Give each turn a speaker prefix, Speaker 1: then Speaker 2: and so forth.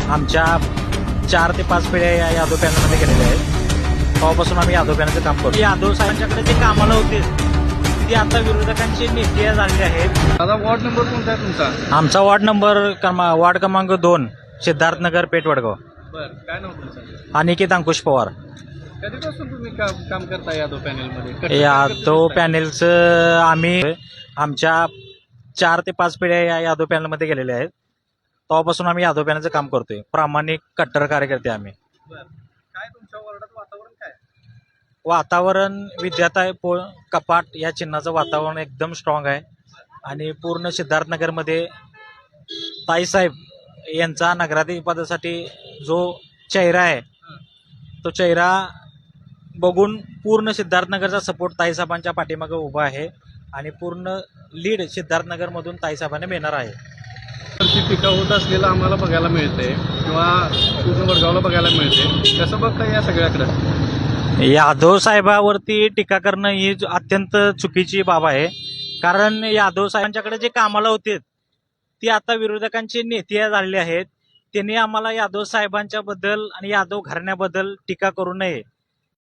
Speaker 1: आमच्या 4 ते 5 पिढ्या या यादव पॅनलमध्ये गेलेल्या आहेत. तेव्हापासून आम्ही यादव पॅनलचं काम करतो. यादव साहेबांच्याकडे जे कामाला होते ते आता विरोधकांचे नेते झालेले आहेत.
Speaker 2: दादा वॉर्ड नंबर कोणता आहे तुमचा?
Speaker 1: आमचा वार्ड क्रमांक 2 सिद्धार्थनगर पेठ वडगाव.
Speaker 2: बरं, काय नाव तुमचं?
Speaker 1: अनिकेत अंकुश पवार.
Speaker 2: कधीपासून तुम्ही काम करता यादव पॅनलमध्ये?
Speaker 1: यादव पॅनलचं आम्ही आमच्या 4 ते 5 पिढ्या या यादव पॅनलमध्ये गेलेल्या आहेत. तेव्हापासून आम्ही यादव पॅनलचं काम करतोय. प्रामाणिक कट्टर कार्यकर्ते आम्ही.
Speaker 2: बरं, काय तुमच्या वॉर्डात वातावरण काय?
Speaker 1: वातावरण विद्याताई कपाट या चिन्हाचं वातावरण एकदम स्ट्रॉंग आहे आणि पूर्ण सिद्धार्थनगरमध्ये ताईसाहेब यांचा नगराधिपदासाठी जो चेहरा आहे तो चेहरा बघून पूर्ण सिद्धार्थनगरचा सपोर्ट ताईसाहेबांच्या पाठीमागे उभा आहे आणि पूर्ण लीड सिद्धार्थनगरमधून ताईसाहेबांना मिळणार आहे.
Speaker 2: ती टीका होत असलेलं आम्हाला बघायला मिळते किंवा पूर्ण वडगावला बघायला मिळते. कसं बघता या सगळ्याकडे?
Speaker 1: यादव साहेबावरती टीका करणं ही अत्यंत चुकीची बाब आहे. कारण यादव साहेबांच्याकडे जे कामाला होते ते आता विरोधकांचे नेते झालेले आहेत. त्यांनी आम्हाला यादव साहेबांच्या बद्दल आणि यादव घराण्याबद्दल टीका करू नये